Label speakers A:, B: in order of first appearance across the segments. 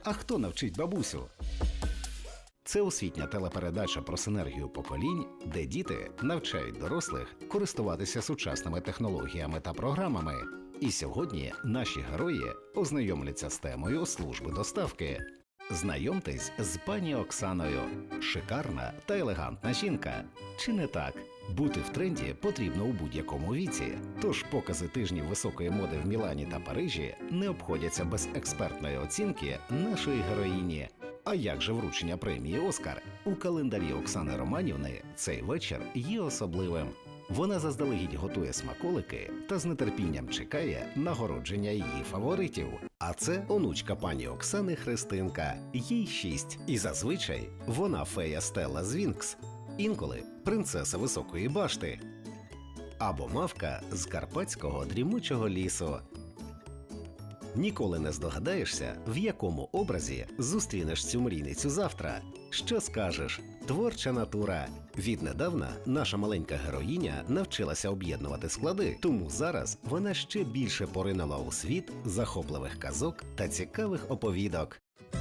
A: А хто навчить бабусю? Це освітня телепередача про синергію поколінь, де діти навчають дорослих користуватися сучасними технологіями та програмами. І сьогодні наші герої ознайомляться з темою служби доставки. Знайомтесь з пані Оксаною. Шикарна та елегантна жінка. Чи не так? Бути в тренді потрібно у будь-якому віці. Тож покази тижнів високої моди в Мілані та Парижі не обходяться без експертної оцінки нашої героїні. А як же вручення премії «Оскар»? У календарі Оксани Романівни цей вечір є особливим. Вона заздалегідь готує смаколики та з нетерпінням чекає нагородження її фаворитів. А це онучка пані Оксани Христинка, їй 6. І зазвичай вона фея Стелла з Вінкс, інколи принцеса Високої башти або мавка з Карпатського дрімучого лісу. Ніколи не здогадаєшся, в якому образі зустрінеш цю мрійницю завтра. Що скажеш? Творча натура. Віднедавна наша маленька героїня навчилася об'єднувати склади, тому зараз вона ще більше поринула у світ захопливих казок та цікавих оповідок.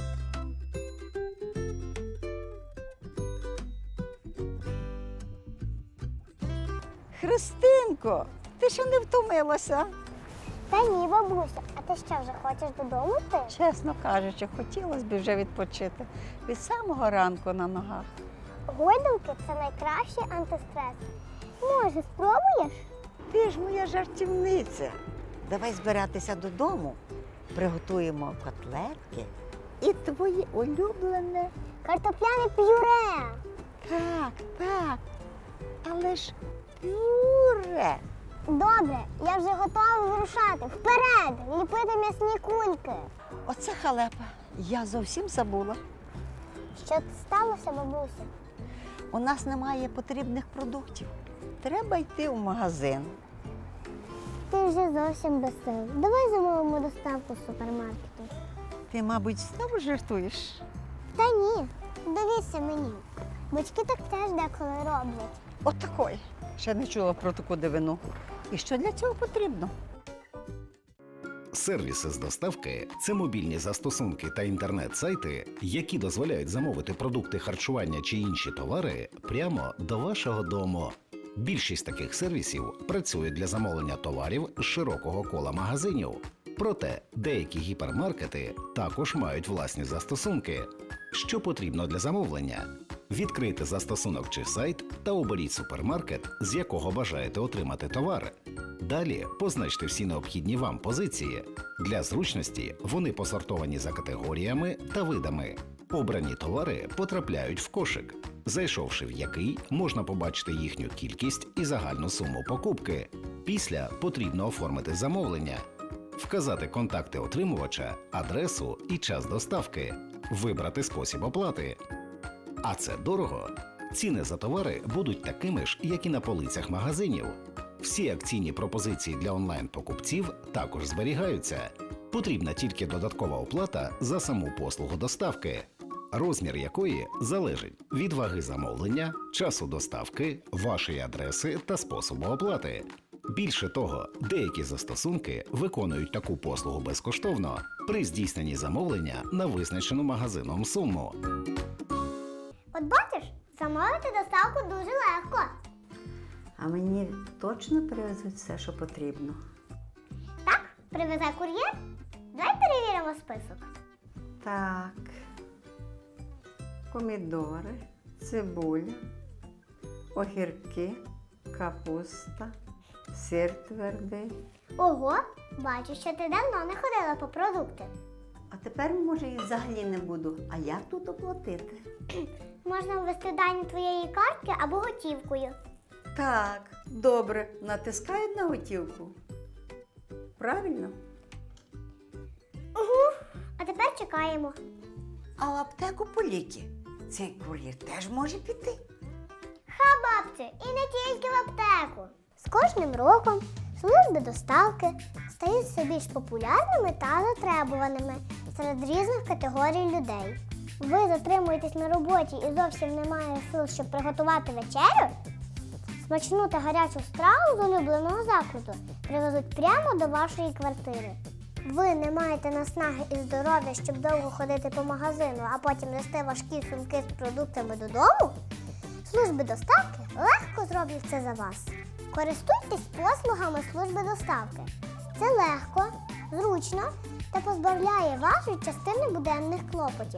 B: Христинко, ти ще не втомилася?
C: Та ні, бабуся, а ти що, вже хочеш додому йти?
B: Чесно кажучи, хотілося б вже відпочити від самого ранку на ногах.
C: Гойдалки – це найкращий антистрес. Може, спробуєш?
B: Ти ж моя жартівниця. Давай збиратися додому, приготуємо котлетки і твоє улюблене.
C: Картопляне пюре.
B: Так, але ж пюре.
C: Добре, я вже готова вирушати. Вперед! Ліпити м'ясні кульки.
B: Оце халепа. Я зовсім забула.
C: Що сталося, бабуся?
B: У нас немає потрібних продуктів. Треба йти в магазин.
C: Ти вже зовсім без сил. Давай замовимо доставку з супермаркету.
B: Ти, мабуть, знову жартуєш?
C: Та ні, довірся мені. Батьки так теж деколи роблять.
B: От такої. Ще не чула про таку дивину. І що для цього потрібно?
A: Сервіси з доставки – це мобільні застосунки та інтернет-сайти, які дозволяють замовити продукти харчування чи інші товари прямо до вашого дому. Більшість таких сервісів працюють для замовлення товарів з широкого кола магазинів. Проте деякі гіпермаркети також мають власні застосунки. Що потрібно для замовлення? Відкрийте застосунок чи сайт та оберіть супермаркет, з якого бажаєте отримати товар. Далі позначте всі необхідні вам позиції. Для зручності вони посортовані за категоріями та видами. Обрані товари потрапляють в кошик, зайшовши в який можна побачити їхню кількість і загальну суму покупки. Після потрібно оформити замовлення, вказати контакти отримувача, адресу і час доставки, вибрати спосіб оплати. А це дорого. Ціни за товари будуть такими ж, як і на полицях магазинів. Всі акційні пропозиції для онлайн-покупців також зберігаються. Потрібна тільки додаткова оплата за саму послугу доставки, розмір якої залежить від ваги замовлення, часу доставки, вашої адреси та способу оплати. Більше того, деякі застосунки виконують таку послугу безкоштовно при здійсненні замовлення на визначену магазином суму.
C: От бачиш, замовити доставку дуже легко.
B: А мені точно привезуть все, що потрібно?
C: Так, привезе кур'єр? Давай перевіримо список.
B: Так. Помідори, цибуля, огірки, капуста, сир твердий.
C: Ого, бачу, що ти давно не ходила по продукти.
B: А тепер, може, і взагалі не буду. А як тут оплатити?
C: Можна ввести дані твоєї картки або готівкою.
B: Так, добре. Натискають на готівку. Правильно?
C: А тепер чекаємо.
B: А в аптеку по ліки цей кур'єр теж може піти.
C: Ха, бабці, і не тільки в аптеку. З кожним роком служби доставки стають все більш популярними та затребуваними серед різних категорій людей. Ви затримуєтесь на роботі і зовсім немає сил, щоб приготувати вечерю? Смачну та гарячу страву з улюбленого закладу привезуть прямо до вашої квартири. ви не маєте наснаги і здоров'я, щоб довго ходити по магазину, а потім нести важкі сумки з продуктами додому, служби доставки легко зроблять це за вас. Користуйтесь послугами служби доставки. Це легко, зручно та позбавляє вас від частини буденних клопотів.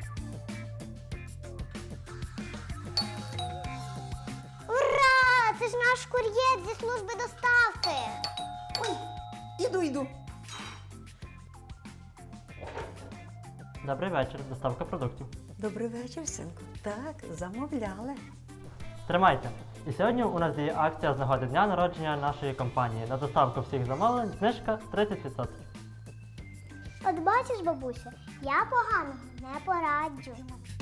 C: Ура! Це ж наш кур'єр зі служби доставки!
B: Ой, іду.
D: Добрий вечір, доставка продуктів.
B: Добрий вечір, синку. Так, замовляли.
D: Тримайте. І сьогодні у нас є акція з нагоди дня народження нашої компанії. На доставку всіх замовлень знижка 30%.
C: От бачиш, бабуся, я поганого не пораджу.